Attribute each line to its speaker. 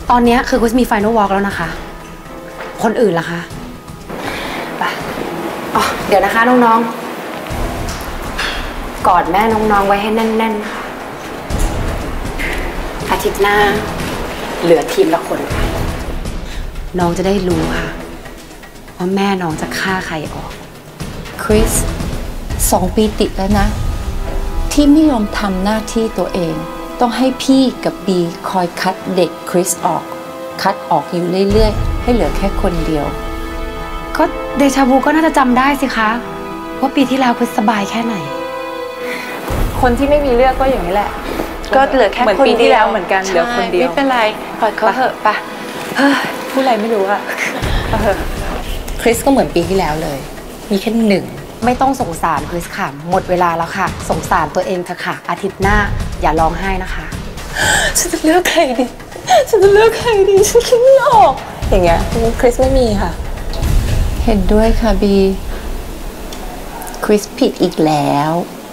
Speaker 1: ตอนนี้คือคริสมีไฟนอลวอล์กแล้วนะคะคนอื่นล่ะคะไปอ๋อเดี๋ยวนะคะน้องๆกอดแม่น้องๆไว้ให้แน่นๆค่ะอาทิตย์หน้าเหลือทีมละคนค่ะน้องจะได้รู้ค่ะว่าแม่น้องจะฆ่าใครออก
Speaker 2: คริส2 ปีติดแล้วนะที่ไม่ยอมทำหน้าที่ตัวเองต้องให้พี่กับบีคอยคัดเด็กคริสออกคัดออกอยู่เรื่อยๆให้เหลือแค่คนเดียว
Speaker 1: ก็เดชาวูก็น่าจะจำได้สิคะว่าปีที่แล้วคริสสบายแค่ไหน
Speaker 3: คนที่ไม่มีเลือกก็อย่างนี้แหละ
Speaker 2: ก็เหลือแค่
Speaker 3: เหมือนปีที่แล้วเหมือนกันเหลือคนเดียว
Speaker 2: ไม่เป็นไรปล่อยเขาเถอะปะ
Speaker 3: พูดอะไรไม่รู้อะ
Speaker 2: คริสก็เหมือนปีที่แล้วเลยมีแค่1
Speaker 1: ไม่ต้องสงสารคริสค่ะหมดเวลาแล้วค่ะสงสารตัวเองเถอะค่ะอาทิตย์หน้าอย่าร้องไห้นะคะ
Speaker 2: ฉันจะเลือกใครดีฉันจะเลือกใครดีฉันคิดไม่ออกอย่างเงี้ยคริสไม่มีค่ะเห็นด้วยค่ะบีคริสผิดอีกแล้ว